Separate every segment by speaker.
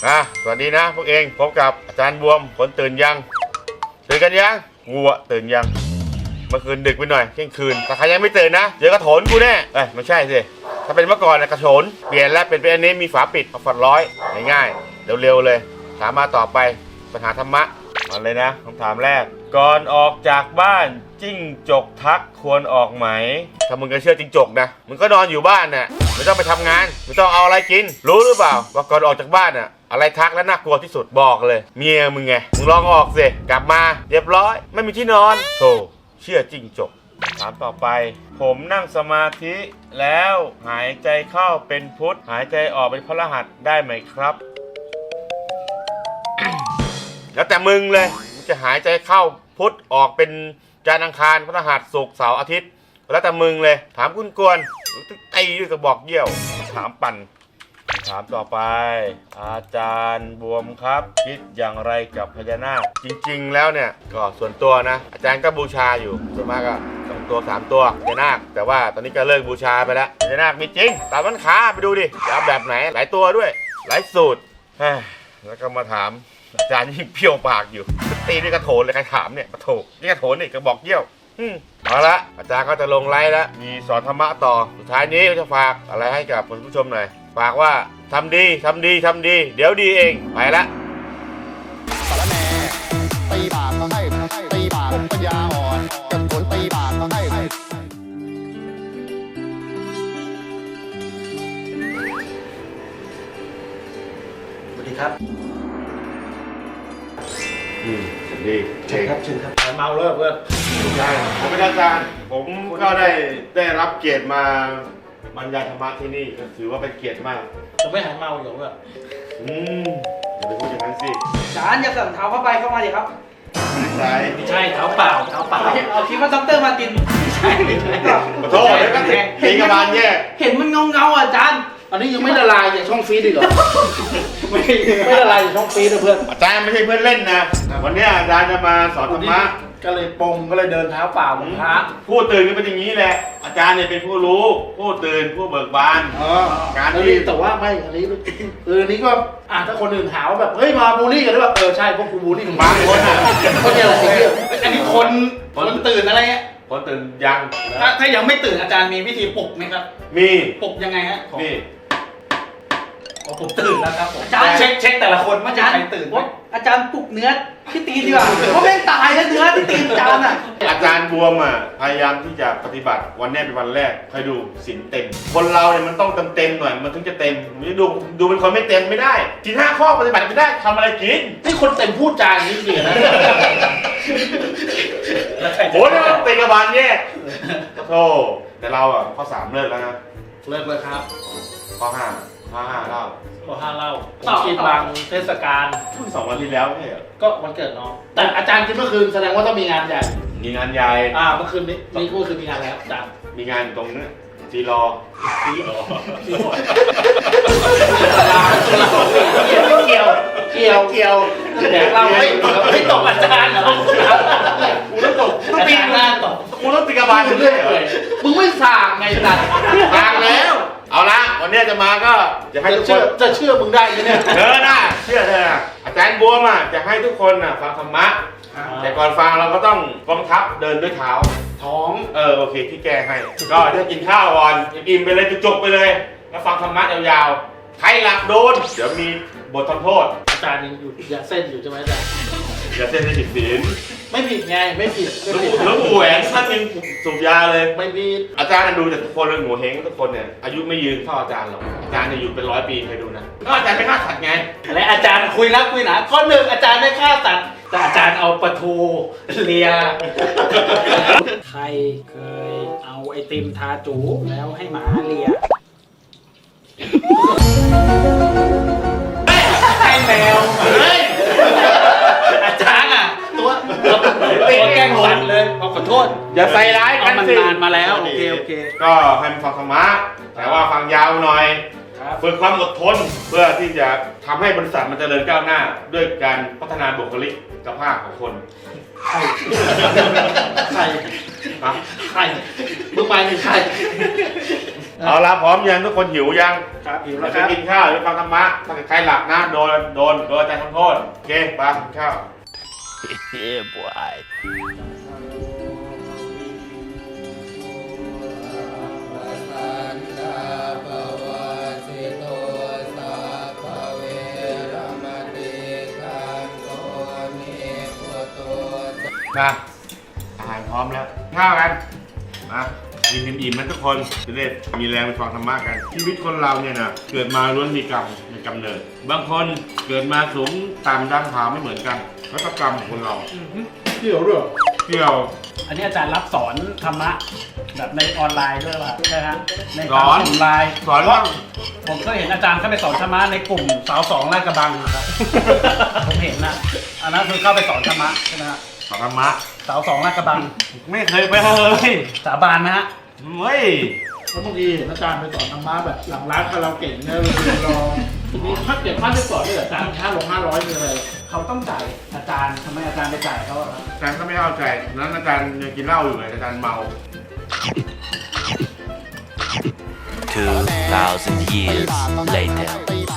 Speaker 1: สวัสดีนะพวกเองพบกับอาจารย์บวมคนตื่นยังกันยังกูอะตื่นยังเมื่อคืนดึกไปหน่อยเที่ยงคืนแต่ใครยังไม่ตื่นนะเจอกระโถนกูแน่ไม่ใช่สิถ้าเป็นเมื่อก่อนนะกระโถนเปลี่ยนแล้วเป็นอันนี้มีฝาปิดเอาฝัดร้อยง่ายๆเร็วๆเลยถามมาต่อไปปัญหาธรรมะมาเลยนะคำถามแรกก่อนออกจากบ้านจิ้งจกทักควรออกไหมถ้ามึงก็เชื่อจิ้งจกนะมึงก็นอนอยู่บ้านน่ะไม่ต้องไปทำงานไม่ต้องเอาอะไรกินรู้หรือเปล่าว่าก่อนออกจากบ้านน่ะอะไรทักและน่ากลัวที่สุดบอกเลยเมียมึงไงมึงลองออกสิกลับมาเรียบร้อยไม่มีที่นอนโธ่เชื่อจิ้งจกถามต่อไปผมนั่งสมาธิแล้วหายใจเข้าเป็นพุทธหายใจออกเป็นพฤหัสได้ไหมครับ แล้วแต่มึงเลยมึงจะหายใจเข้าพุทธออกเป็นจันทร์อังคารพฤหัสศุกร์เสาร์อาทิตย์แล้วแต่มึงเลยถามคุณกวนตีด้วยกระบอกเยี่ยวถามปั่นถามต่อไปอาจารย์บวมครับคิดอย่างไรกับพญานาคจริงๆแล้วเนี่ยก็ส่วนตัวนะอาจารย์ก็บูชาอยู่ส่วนมากก็2 ตัว 3 ตัวพญานาคแต่ว่าตอนนี้ก็เลิกบูชาไปแล้วพญานาคมีจริงตามร้านค้าไปดูดิจะเอาแบบไหนหลายตัวด้วยหลายสูตรแล้วก็มาถามอาจารย์ยิ่งเพี้ยวปากอยู่ตีด้วยกระโถนเลยใครถามเนี่ยกระโถนนี่กระโถนนี่กระบอกเยี่ยวเอาละอาจารย์ก็จะลงไลฟ์แล้วมีสอนธรรมะต่อสุดท้ายนี้ก็จะฝากอะไรให้กับคุณผู้ชมหน่อยฝากว่าทำดีทำดีทำดีเดี๋ยวดีเองไปละ
Speaker 2: สารแหน่ตีบากก็ให้ตีบากปัญญาอ่อนกับผลตีบากก็ให้
Speaker 3: สวัสดีครับ
Speaker 1: ดี
Speaker 3: เชิญครับเชิญครับเมาเลิกเพื่อน
Speaker 1: ใช่ผมเป็นอาจารย์ผมก็ได้รับเกียรติมาบรรยายธรรมะที่นี่ก็ถือว่าเป็นเกียรติมาก
Speaker 3: จะไม่หายเมาอยู่เพื่อน
Speaker 1: อย่าไปพูดอย่างนั้นสิ
Speaker 4: จานอย่าสั่งเท้าเข้าไปเข้ามาดิครับ
Speaker 3: ไม่ใช่เท้าเปล่า
Speaker 4: เอาคิดว่าด็อกเตอร์มาตินไม่ใช่
Speaker 1: ขอโทษแล้วก็ตีกระบาลแย่
Speaker 4: เห็นมันเงาอาจารย์
Speaker 3: อันนี้ยังไม่ละลายอย่างช่องฟีดอีกเหรอไม่ละลายอย่างช่องฟีดนะเพื่อน
Speaker 1: อาจารย์ไม่ใช่เพื่อนเล่นนะวันนี้อาจารย์จะมาสอนธรรมะ
Speaker 3: ก็เลยปงก็เลยเดินเท้าเปล่าเหมือนพระ
Speaker 1: ผู้ตื่นก็เป็นอย่างนี้แหละอาจารย์เนี่ยเป็นผู้รู้ผู้ตื่นผู้เบิกบาน
Speaker 3: การที่แต่ว่าไม่อันนี้อันนี้ก็ถ้าคนอื่นหาว่าแบบเฮ้ยมาบูลลี่กันหรือเปล่าใช่พวกกูบูลลี่มึง
Speaker 1: บางคน
Speaker 3: เขาเนี่ยอะไรเงี้ยอันนี้คนตื่นอะไรเงี้ย
Speaker 1: คนตื่นยัง
Speaker 4: ถ้ายังไม่ตื่นอาจารย์มีวิธีปลุกไหมครับ
Speaker 1: มี
Speaker 4: ปลุกยังไงฮะ
Speaker 1: มี
Speaker 4: ผมตื่นแล้วครับผมอาจารย์
Speaker 3: เช็คแต่ละคน
Speaker 4: อาจารย์ตื่นอาจารย์ปลุกเนื้อที่ตีดีกว่าเพราะแม่งตายแล้วเนื้อที่ตีอาจารย์
Speaker 1: อาจารย์บวมพยายามที่จะปฏิบัติวันนี้เป็นวันแรกคอยดูศีลเต็มคนเราเนี่ยมันต้องเต็มหน่อยมันถึงจะเต็มไม่ดูเป็นคนไม่เต็มไม่ได้ศีล5 ข้อปฏิบัติไม่ได้ทำอะไรกิน
Speaker 3: นี่คนเต็มพูดจาอย่างนี้จริงนะ
Speaker 1: โอ้ยเตะกระบาลแย่โธ่แต่เราข้อ 3เลิกแล้วนะ
Speaker 3: เลิกเลยครับ
Speaker 1: ข้อ 5เล่า
Speaker 3: คิดบางเทศกาล
Speaker 1: เพิ่ง2 วันที่แล้วไม่เหรอ
Speaker 3: ก็วันเกิดน้องแต่อาจารย์คิดเมื่อคืนแสดงว่าต้องมีงานใหญ่
Speaker 1: มีงานใหญ่
Speaker 3: เมื่อคืนนี้เมื่อคืนมีงานแล้วอาจารย์
Speaker 1: มีงานตรงนี้จีรอ
Speaker 3: เกี่ยวแต่เราไม่ตกอาจารย์เหรอ
Speaker 1: กูต้องตก
Speaker 3: ต้องตีงานตก
Speaker 1: กูต้องตีกระบาลเรื่อย
Speaker 3: มึงไม่สั่งไงตัด
Speaker 1: สั่งแล้วเอาละวันนี้จะมาก็จะให้ทุกคน
Speaker 3: จะเชื่อมึงได้ไหมเนี่ย
Speaker 1: ได้เชื่อเธออาจารย์บวมจะให้ทุกคนฟังธรรมะแต่ก่อนฟังเราก็ต้องกองทัพเดินด้วยเท้า
Speaker 3: ท้อง
Speaker 1: โอเคที่แกให้ก็จะกินข้าวก่อนอิ่มไปเลยจุกไปเลยแล้วฟังธรรมะยาวๆใครหลับโดนเดี๋ยวมีบททำโทษ
Speaker 3: อาจารย์ยังอยู่ยาเส้นอยู่ใช่ไหมอาจารย์
Speaker 1: ยาเส้นไม่ผิดศีล
Speaker 3: ไม่ผิดไงไม่ผิด
Speaker 1: แล้วปู่แหวนท่านยังสูบยาเลย
Speaker 3: ไม่ผิด
Speaker 1: อาจารย์ดูแต่ทุกคนเลยหมูเฮงทุกคนเนี่ยอายุไม่ยืนเท่าอาจารย์หรอกอาจารย์เนี่ยอยู่เป็น100 ปีใครดูนะก็อาจารย์ไม่ฆ่าสัตว์ไง
Speaker 3: และอาจารย์คุยรักคุยหนาข้อ 1อาจารย์ไม่ฆ่าสัตว์แต่อาจารย์เอาปลาทูเลียใครเคยเอาไอติมทาจูแล้วให้หมาเลียให้แมวอาจารย์ตัวแกล้งสั่นเลยขอโทษ
Speaker 1: อย่าใส่ร้ายกัน
Speaker 3: สิมันนานมาแล้วโอเค
Speaker 1: ก็ให้มันฟังธรรมะแต่ว่าฟังยาวหน่อยฝึกความอดทนเพื่อที่จะทำให้บริษัทมันเจริญก้าวหน้า ด้วยการพัฒนาบุคลิกภาพของคน
Speaker 3: ใครใคร
Speaker 1: นะ
Speaker 3: ใครมึงไปหนึ่งใคร
Speaker 1: เอาละพร้อมยังทุกคนหิวยัง
Speaker 3: ครับหิว
Speaker 1: เดี๋
Speaker 3: แล้
Speaker 1: ยว ว
Speaker 3: ค
Speaker 1: ไป
Speaker 3: รับ
Speaker 1: กินข้าวหรือฟังธรรมะถ้าใครหลับนะโดนอาจารย์ทำโทษโอเคไปกินข้าว มาอาหารพร้อมแล้วข้าวกันมากินอิ่มๆนะทุกคนจะได้มีแรงไปฟังธรรมะกันชีวิตคนเราเนี่ยนะเกิดมาล้วนมีกรรมในกำเนิด บางคนเกิดมาสูงต่ำดำขาวไม่เหมือนกันแล้วก็กรรมของคนเรา
Speaker 3: เกี่ยวด้วย
Speaker 1: เกี่ยว
Speaker 3: อันนี้อาจารย์รับสอนธรรมะแบบในออนไลน์ด้วยป่ะใช่ฮะใน
Speaker 1: สอน
Speaker 3: กลุ่มไลน์
Speaker 1: สอนเรื่อง
Speaker 3: ผมเคยเห็นอาจารย์เข้าไปสอนธรรมะในกลุ่มสาวสองลาดกระบังครับ ผมเห็นนะอันนั้นคือเข้าไปสอนธรรมะใช่ไหมฮะ
Speaker 1: สอนธรรมะ
Speaker 3: สาวสองลาดกระบัง
Speaker 1: ไม่เคยไปเลย
Speaker 3: สาบานนะฮะ
Speaker 1: เฮ้ย
Speaker 5: แล้วบางทีเห็นอาจารย์ไปสอนธรรมะแบบหลังร้านคาราโอเกะเนี่ยเรารอทีนี้ถ้าเก็บค่าที่สอนด้วยอาจารย์500มีอะไร
Speaker 3: เขาต้องจ่ายอาจารย์ทำไมอาจารย์ไปจ่ายเขาอะครับ
Speaker 1: อาจารย์ก็ไม่เข้าใจนั้นอาจารย์ยังกินเหล้าอยู่เลยอาจารย์เมา
Speaker 6: 2,000 years later.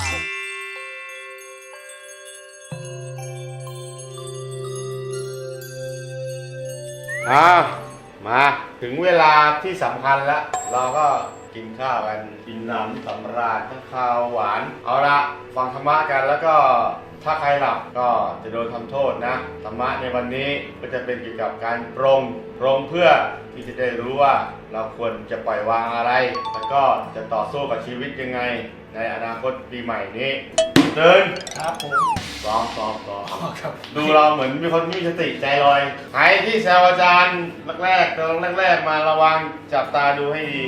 Speaker 1: มาถึงเวลาที่สำคัญแล้ว เราก็กินข้าวกันกินน้ำสำราญทั้งข้าวหวาน เอาละฟังธรรมะกันแล้วก็ถ้าใครหลับก็จะโดนทำโทษนะธรรมะในวันนี้ก็จะเป็นเกี่ยวกับการปรงเพื่อที่จะได้รู้ว่าเราควรจะปล่อยวางอะไร แล้วก็จะต่อสู้กับชีวิตยังไง ในอนาคตปีใหม่นี้เดิน
Speaker 3: ครับผม
Speaker 1: ซ้อม
Speaker 3: ครับ
Speaker 1: ดูเราเหมือนมีคนไม่มีสติใจลอยใครที่แซวอาจารย์แรกๆตอนแรกๆมาระวังจับตาดูให้ดี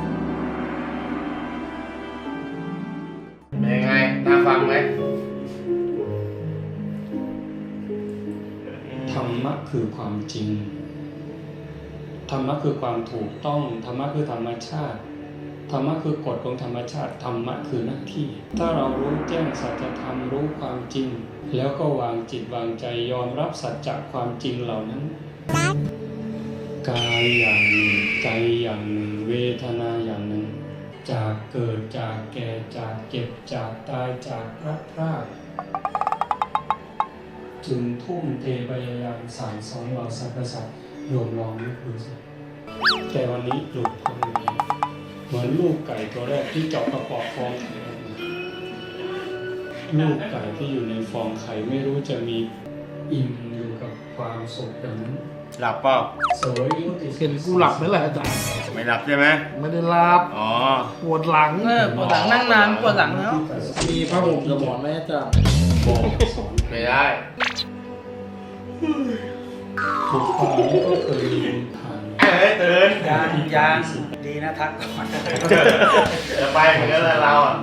Speaker 1: เป็นยังไงน่าฟังไหม
Speaker 7: ธรรมะคือความจริง ธรรมะคือความถูกต้อง ธรรมะคือธรรมชาติ ธรรมะคือกฎของธรรมชาติ ธรรมะคือหน้าที่ ถ้าเรารู้แจ้งสัจธรรมรู้ความจริง แล้วก็วางจิตวางใจยอมรับสัจจะความจริงเหล่านั้น กายอย่างหนึ่งใจอย่างหนึ่งเวทนาอย่างหนึ่ง จากเกิดจากแก่จากเจ็บจากตายจากพลัดพรากจึงทุ่มเทพยายามสั่งสอนเราสรรพสัตว์รวมลองนึกดูสิแต่วันนี้หลุดพ้นแล้วเหมือนลูกไก่ตัวแรกที่เจาะกระป๋องฟองไข่ออกมาลูกไก่ที่อยู่ในฟองไข่ไม่รู้จะมีอิ่มอยู่กับความสุขดังนั้น
Speaker 1: หลับเปล่า
Speaker 7: สวยยิ่งที่สุ
Speaker 5: เห็น
Speaker 7: ด
Speaker 5: กูหลับไหมล่ะอาจารย์
Speaker 1: ไม่หลับใช่ไหม
Speaker 5: ไม่ได้หลับ
Speaker 1: อ๋อ
Speaker 5: ปวดหลัง
Speaker 4: ปวดหลังนั่งนานปวดหลังแล้ว
Speaker 5: มีผ้าห่มกับหมอนไหมอาจารย์
Speaker 7: บอกสอน
Speaker 1: ไม่ได้
Speaker 7: ทุกคนนี้ก็เคยมีทาง
Speaker 1: เฮ้ยตื่น
Speaker 3: ยางดีนะทักก่อน
Speaker 1: จะไปเหมือนกันเลยเราอ่ะ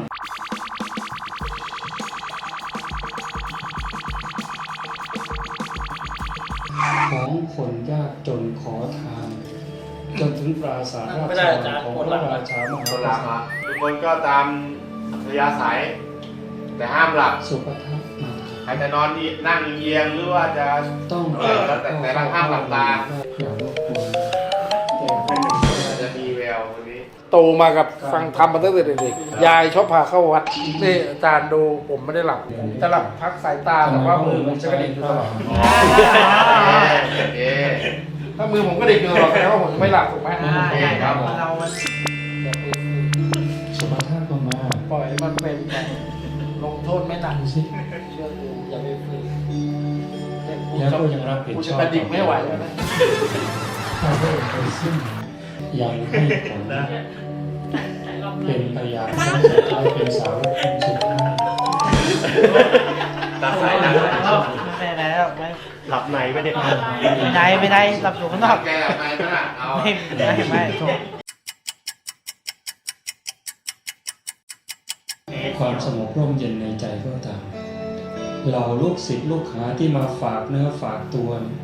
Speaker 7: ของคนยากจนขอทาน จนถึงปราสาทรา
Speaker 3: ไม่
Speaker 7: ช
Speaker 3: ได้อาจารย์
Speaker 7: ของ
Speaker 3: ปวด
Speaker 7: พ
Speaker 3: หลั
Speaker 7: ระ
Speaker 3: ง
Speaker 7: ราชามหา
Speaker 1: คน
Speaker 7: ก
Speaker 1: หลับ
Speaker 7: ษัตริย์
Speaker 1: ทุกคนก็ตามอัธยาศัย แต่ห้ามหลับ
Speaker 7: สุภทัพมา
Speaker 1: ใครจะนอนนั่งเอียงหรือว่าจะ
Speaker 7: ต้อง
Speaker 1: แต่ละห้ามหลับตา
Speaker 7: อย่ารบกวนแต่
Speaker 1: จะมีแวววันนี้
Speaker 5: โตมากับฟังธรรมมาตั้งแต่เด็กๆยายชอบพาเข้าวัดนี่อาจารย์ดูผมไม่ได้หลับจะหลับพักสายตาแต่ว่ามือผมจะกระดิกอยู่ตลอด
Speaker 1: โอเค
Speaker 5: ถ้ามือผมกระดิกอยู่ตลอดแปลว่าผมไม่หลับถูกไหม
Speaker 1: โอเคครับผม
Speaker 4: เรามัน
Speaker 7: สุภทัพก็มา
Speaker 5: ปล่อยมันเป็นไปลงโทษไม่หนัก
Speaker 7: ดูสิ
Speaker 5: เชื่อกูอย่าไปฝืน
Speaker 7: แล้วก็ยังรับผิด
Speaker 5: กู
Speaker 7: ช
Speaker 5: จะ
Speaker 7: อบ
Speaker 5: กระดิกไม่ไหวแล้วนะ
Speaker 7: ถ้าได้ไปสิ้นยังให้ผลเป็นพยานว่าจะกลายเป็นสาวกคนสุดท้าย
Speaker 1: ตัดสายหนัก
Speaker 4: ไม่ได้แล้วไม่
Speaker 1: หลับในไม่ได้
Speaker 4: ไม่ได้หลับอยู่ข้างนอก
Speaker 1: แกหลับในไหมล่ะเอา
Speaker 4: ไม่ถูก
Speaker 7: ความสงบร่มเย็นในใจก็ตามเหล่าลูกศิษย์ลูกหาที่มาฝากเนื้อฝากตัวเนี่ย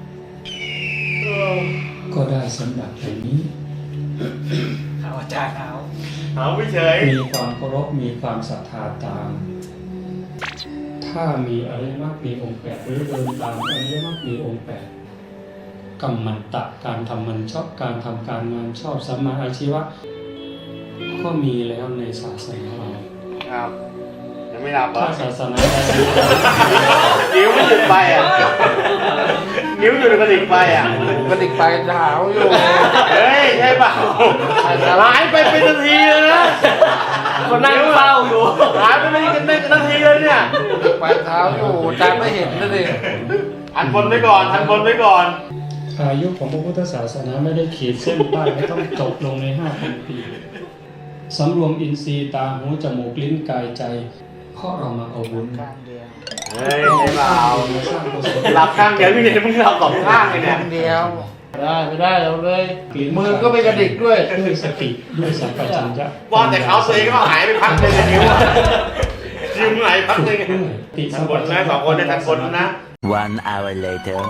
Speaker 7: ก็ได้สำหรับแบบนี้
Speaker 3: เอาอาจารย์เอา
Speaker 1: เอาไม่เฉย
Speaker 7: มีความเคารพมีความศรัทธาตามถ้ามีอริยมรรคมีองค์แปดหรือเดินตามอริยมรรคมีองค์แปดกรรมันตะการทำมันชอบการทำการงานชอบสัมมาอาชีวะก็มีแล้วในศาสนาเรา
Speaker 1: ครับยังไม่หลับเหรอ
Speaker 7: ถ้าศาสนาใด
Speaker 1: นิ้วมันหยุดไปอ่ะนิ้วหยุดกระดิกไปอ่ะ
Speaker 5: กระดิกไปหาวอยู่
Speaker 1: เฮ้ยใช่เปล่าหายไปเป็นนาทีเลยนะ
Speaker 4: คนนั่งเฝ้าอยู่
Speaker 1: หายไปเป็นนาทีเลยเนี่ย
Speaker 5: ไปเท้าอยู่อาจารย์ไม่เห็นเลยดิ
Speaker 1: ทันบนไว้ก่อนทันบนไว้ก่อน
Speaker 7: อายุของพระพุทธศาสนาไม่ได้ขีดเส้นใต้ไม่ต้องจบลงใน 5,000 ปีสำรวมอินทรีย์ตาหูจมูกลิ้นกายใจเพราะเรามาเอาบุญ
Speaker 1: เฮ้ยใช่เปล่า
Speaker 7: มาสร้างกุศล
Speaker 1: หลับข้างเดียวพี่เด็กมึงหลับสองข้างเลยเนี่ย
Speaker 5: เดียวได้ไม่ได้เอาเลย มือก็ไม่กระดิกด้วย
Speaker 7: ด้วยสติด้วยสัมปชัญญะ
Speaker 1: ว่าแต่เขาตัวเองก็หายไปพักเลยนิ้วอะยิ้มไหลพักเลย
Speaker 7: ด้วยติ
Speaker 1: ทั
Speaker 7: สั
Speaker 1: น
Speaker 7: ม
Speaker 1: บ
Speaker 7: ป
Speaker 1: น
Speaker 7: ชั
Speaker 1: นะ
Speaker 7: ญญะ
Speaker 1: สองคนได้ทันบนนะ
Speaker 6: 1 hour later.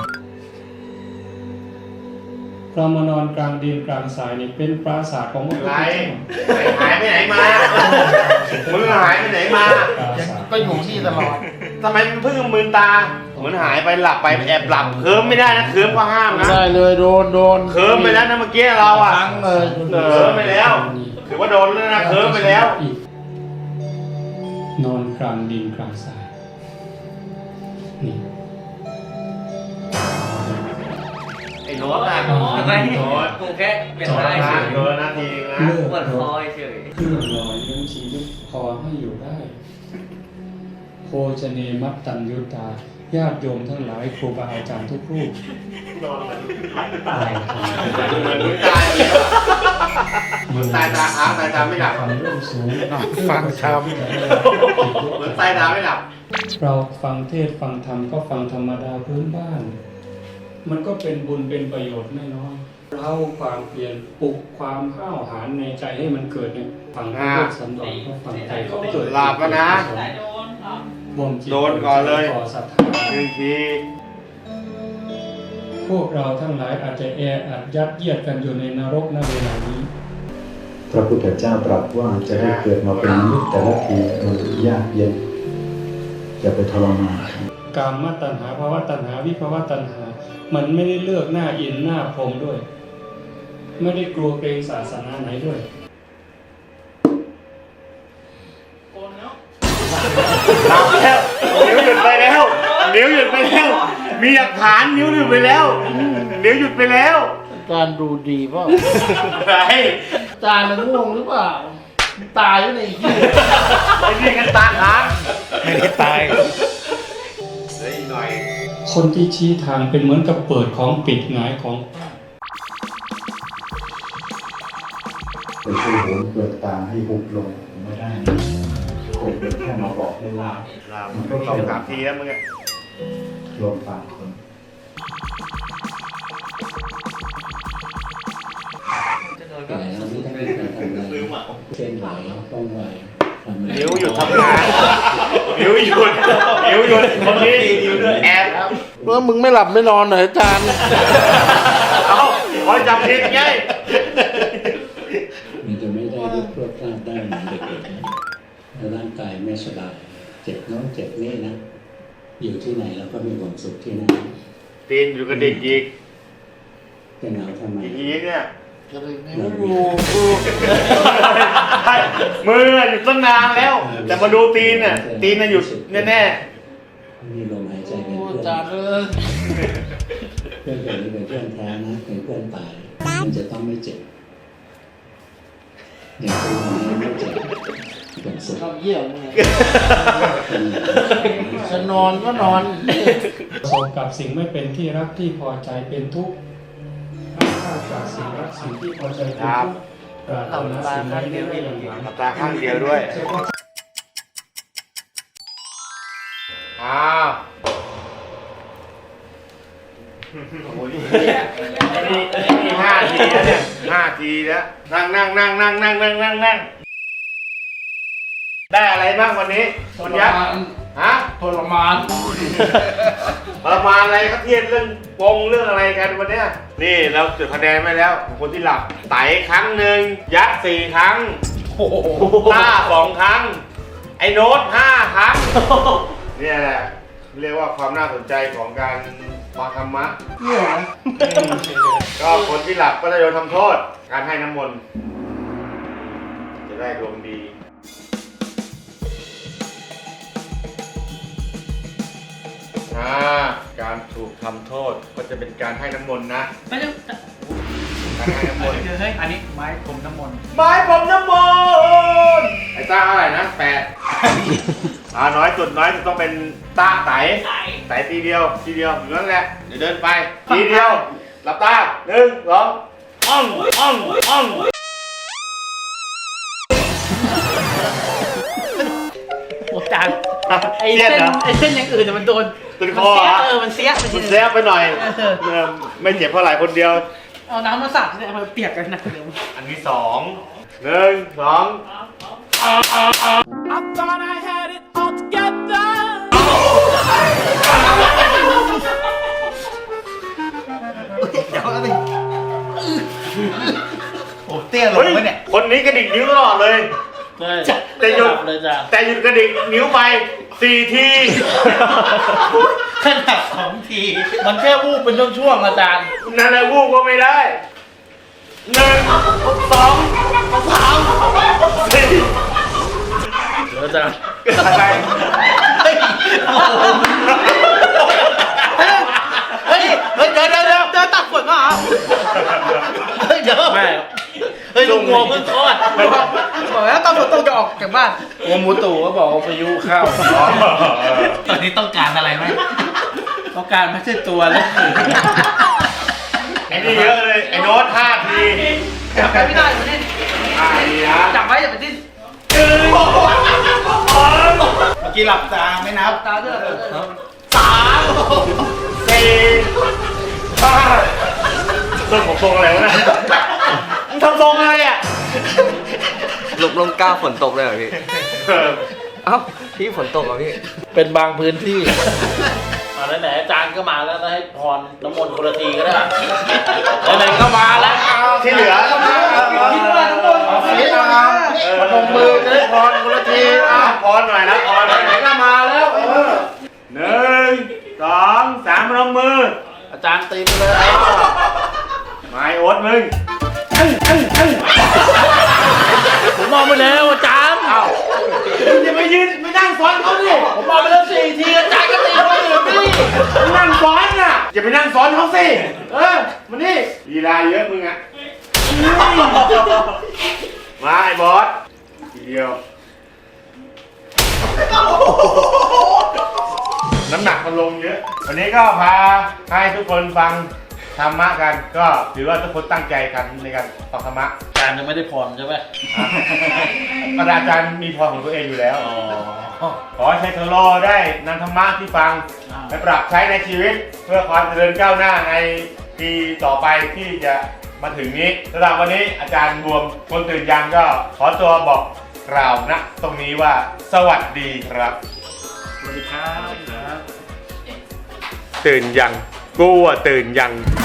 Speaker 7: เรามานอนกลางดินกลางทรายนี่เป็นปราสาทของพระพุทธ
Speaker 1: ไร
Speaker 7: เจ้า
Speaker 1: หายไปไหนมามึงหายไปไหนมา
Speaker 7: ปราสาท
Speaker 5: ก็อยู่ที่ตลอด
Speaker 1: ทำไมมันเพิ่งมืนตาเหมือนหายไปหลับไปแอบหลับเคิร์มไม่ได้นะเคิร์มก็ห้าม
Speaker 5: ไม่
Speaker 1: นะ
Speaker 5: ได้เลยโดน
Speaker 1: เคิร์มไปแล้วนะเมื่อกี้เราอ่ะ
Speaker 5: ทั้งเลย
Speaker 1: เคิร์มไปแล้วถือว่าโดนแล้วนะเคิร์มไปแล้ว
Speaker 7: อีกนอนกลางดินกลางทรายนี่
Speaker 1: ไอ้โน้ตอ่ะ
Speaker 4: ไม่
Speaker 1: โน้ต
Speaker 4: กูแค่เป็นได้เฉย
Speaker 1: โดนนาทีนะ
Speaker 7: เลิก
Speaker 4: ปวด
Speaker 7: ร
Speaker 4: ค
Speaker 7: ถ
Speaker 4: อยเฉย
Speaker 7: เครื่องหล่อเลี้ยงชีวิตพอให้อยู่ได้ โภชเนมัตตัญยุตา ญาติโยมทั้งหลายครูบาอาจารย์ทุกรูป
Speaker 1: นอนเหมือน
Speaker 7: ตาย
Speaker 1: เหมือนตายแล้วเหมือนตายตาค้างตายตาไม่หลับ
Speaker 7: ความเรื่องสูง
Speaker 5: ฟังช้
Speaker 1: เหมือนตายตาไม่หลับ
Speaker 7: เราฟังเทศน์ฟังธรรมก็ฟังธรรมดาพื้นบ้าน มันก็เป็นบุญเป็นประโยชน์ไม่น้อยเราความเปลี่ยนปลุกความห้าวหาญในใจให้มันเกิดเนี่ยฟังพระเทศน์สันดอนก็ฟังใจก็เกิด
Speaker 1: หลับแล้วนะ
Speaker 7: บ่มจิต
Speaker 1: โดนก่อนเลย
Speaker 7: ต่อศรัทธา
Speaker 1: หนึ่งที
Speaker 7: พวกเราทั้งหลายอาจจะแออัดยัดเยียดกันอยู่ในนรกณเวลานี้
Speaker 8: พระพุทธเจ้าตรัสว่าจะได้เกิดมาเป็นมนุษย์แต่ละทีมันยากเย็นอย่าไปทรมาน
Speaker 7: กามตัณหาภาวะตัณหาวิภาวะตัณหา มันไม่ได้เลือกหน้าอินหน้าพรหมด้วย ไม่ได้กลัวเกรงศาสนาไหนด้วย
Speaker 1: หลับแล้วนิ้วหยุดไปแล้วนิ้วหยุดไปแล้ว มีหลักฐานนิ้วหยุดไปแล้วนิ้วหยุดไปแล้ว
Speaker 5: ำอาจารย์ดูดีเปล่า
Speaker 1: ไร
Speaker 5: อาจารย์มันง่วงหรือเปล่า ตายอยู่ในที่
Speaker 1: ไอ้นี่กันตาค้าง
Speaker 5: ไม่ได้ตาย
Speaker 1: เหลืออีกหน่อย
Speaker 7: คนที่ชี้ทางเป็นเหมือนกับเปิดของปิดหงายของ
Speaker 8: ไปช่วยโหนเปลือกตาให้หุบลงไม่ได้นะผมเป็นแค่มาบอกให้ว่า
Speaker 1: หลับมันก็เข้าสามทีแล้วมึงอะ
Speaker 8: ลมปากคน
Speaker 9: แต่เราไม่ต้องเป็นการทำอะไรเคลื่อนไหวต้องไหวทำอะไร
Speaker 1: นิ้วหยุดทำงานนิ้วหยุดนิ้วหยุดคนนี้แอบ
Speaker 5: ว่ามึงไม่หลับไม่นอนเหรออาจารย์
Speaker 1: เอ้าคอยจำผิดไง
Speaker 9: มันจะไม่ได้ลุกพรวดพลาดได้เหมือนเด็กๆนะแล้วร่างกายไม่สบายเจ็บโน้นเจ็บนี่นะ อยู่ที่ไหนเราก็มีความสุขที่นั่น
Speaker 1: ตีนอยู่กับเด็กอีก
Speaker 9: เป็นเราทำไม
Speaker 1: อีกเนี่ย
Speaker 9: เรามี
Speaker 1: มือหยุดตั้งนานแล้ว แต่มาดูตีนน่ะตีนน่ะหยุดแน่
Speaker 9: มีลมหายใจเป็น
Speaker 5: อา
Speaker 9: เพื่อน
Speaker 5: จารย์เออ
Speaker 9: เพื่อนคนนี้เป็นเพื่อนแท้นะเป็นเพื่อนตายมันจะต้องไม่เจ็บอย่างตัวนี้ไม่เจ็บเป็นสุข
Speaker 5: ชอบเยี่ยมไงจะนอนก็นอน
Speaker 7: ประสบกับสิ่งไม่เป็นที่รักที่พอใจเป็นทุกข์ข้าจากสิ่งรักสิ่งที่พอใจเป็นทุกข์ปรารถนาสิ่งใดไม่ได้อย่างหวัง
Speaker 1: ๆหลับตาข้างเดียวด้วยอ้าวโอ้โหนี่5 ทีแล้วเนี่ย5 ทีแล้วนั่งได้อะไรบ้างวันนี้คุณยักษ์ฮะ
Speaker 5: ทรมาน
Speaker 1: ประมาณอะไรครับเทียนเรื่องปงเรื่องอะไรกันวันเนี้ยนี่เราจุดคะแนนไว้แล้วของคนที่หลับไต่ครั้งหนึ่งยักษ์4 ครั้งต้า2 ครั้ง ไอ้โน้ต5 ครั้งเนี่ยแหละเรียกว่าความน่าสนใจของการฟังธรรมะ
Speaker 4: เนี่ย
Speaker 1: ก็คนที่หลับก็จะโดนทำโทษ การให้น้ำมนต์จะได้ดวงดีการถูกทำโทษก็จะเป็นการให้น้ำมนต์นะ
Speaker 4: ไม่ใช่
Speaker 1: การให้น้ำมนต์
Speaker 4: เฮ้ยอันนี้ไม้ผมน้ำมนต์
Speaker 1: ไม้ผมน้ำมนต์ไอ้ต้าเท่าไหร่นะ8น้อยสุดต้องเป็นต้าไต่ทีเดียวอยู่นั่นแหละเดี๋ยวเดินไปทีเดียวหลับตา1 2อ้อง
Speaker 4: โอ้จานไอ้เส้นอย่างอื่นแต่มันโดน
Speaker 1: ติดคอ
Speaker 4: มันเสีย
Speaker 1: มันแซบไปหน่อยไม่เจ็บเท่าไหร่คนเดียว
Speaker 4: เอาน้ำมาสาดเนี่ยมันเปียกกันนะเดี๋ยว
Speaker 1: อันที่2 1 2
Speaker 4: เดี๋ยวอะไรโอ้เตี้ยลงไหมเนี่ย
Speaker 1: คนนี้กระดิกนิ้วตลอดเลยแต่หยุดกระดิกนิ้วไป4 ที
Speaker 4: ขนาด2 ที มันแค่วูบเป็นช่วงๆอาจารย์
Speaker 1: นั่นแหละวูบก็ไม่ได้1 2 3 4
Speaker 5: อาจารย์
Speaker 1: อะไร
Speaker 4: เฮ้ยเดี๋ยวตัดขวดมาเหรอเฮ้ยเดี๋ยว
Speaker 5: ไม่
Speaker 4: เฮ้ยลุงงัวเพิ่งคลอดบอกแล้วตอนฝนตกจะออกจากบ้าน
Speaker 5: กรมอุตุก็บอกว่าพายุเข้า
Speaker 4: ตอนนี้ต้องการอะไรไหมต้องการไม่ใช่ตัวแล้ว
Speaker 1: ไอ้นี่เยอะเลยไอ้โน้ต5 ที
Speaker 4: จับไปไม่ได้เหมือนนี่
Speaker 1: 5 ทีนะ
Speaker 4: จับไว้อย่าไปดิ้น
Speaker 1: 1 2
Speaker 4: เมื่อกี้หลับตาไม่นับตาด้วย
Speaker 1: 3 4 5ทรงผมทรงอะไรวะเนี่ยมึงทำทรงอะไรอ่ะ
Speaker 10: ลมกล้าฝนตกเลยเหรอพี่ เอ้าพี่ฝนตกเหรอพี่
Speaker 5: เป็นบางพื้นที่
Speaker 3: มาไหนๆอาจารย์ก็มาแล้วให้พรน้ำมนต์คนละทีก็ได้ไหนๆก็มาแล้ว
Speaker 1: ที่เหลือก็มา
Speaker 4: คิดว่าทุกคน
Speaker 5: พนมมือจะได้พรคนละที
Speaker 1: พรหน่อยนะพรหน่อยไหนก็มาแล้ว1 2 3พนมมือ
Speaker 5: อาจารย์ตีไปเลย
Speaker 1: ไม้โอ๊ตมึง
Speaker 5: ผมมองไปแล้วอาจารย์
Speaker 1: มึงจะไปยืนไปนั่งซ้อนเขาดิ
Speaker 5: ผมมองไปแล้ว4 ทีอาจารย์ก็ตีคนอื่นดิ
Speaker 1: มึงนั่งซ้อนน่ะอย่าไปนั่งซ้อนเขาสิมานี่ลีลาเยอะมึงอ่ะมาไอ้บอสทีเดียวน้ำหนักมันลงเยอะวันนี้ก็พาให้ทุกคนฟังธรรมะกันก็ถือว่าทุกคนตั้งใจกันในการฟังธรรมะ
Speaker 3: อาจารย์ยังไม่ได้พรใช่ไหม
Speaker 1: อาจารย์มีพรของตัวเองอยู่แล้วขอให้ใช้เทอร์โลได้นำธรรมะที่ฟังไปปรับใช้ในชีวิตเพื่อความเจริญก้าวหน้าในปีต่อไปที่จะมาถึงนี้สำหรับวันนี้อาจารย์บวมคนตื่นยังก็ขอตัวบอกกล่าวนะตรงนี้ว่าสวัสดีครับ
Speaker 3: สวัสดีครับ
Speaker 1: ตื่นยังกูอ่ะตื่นยัง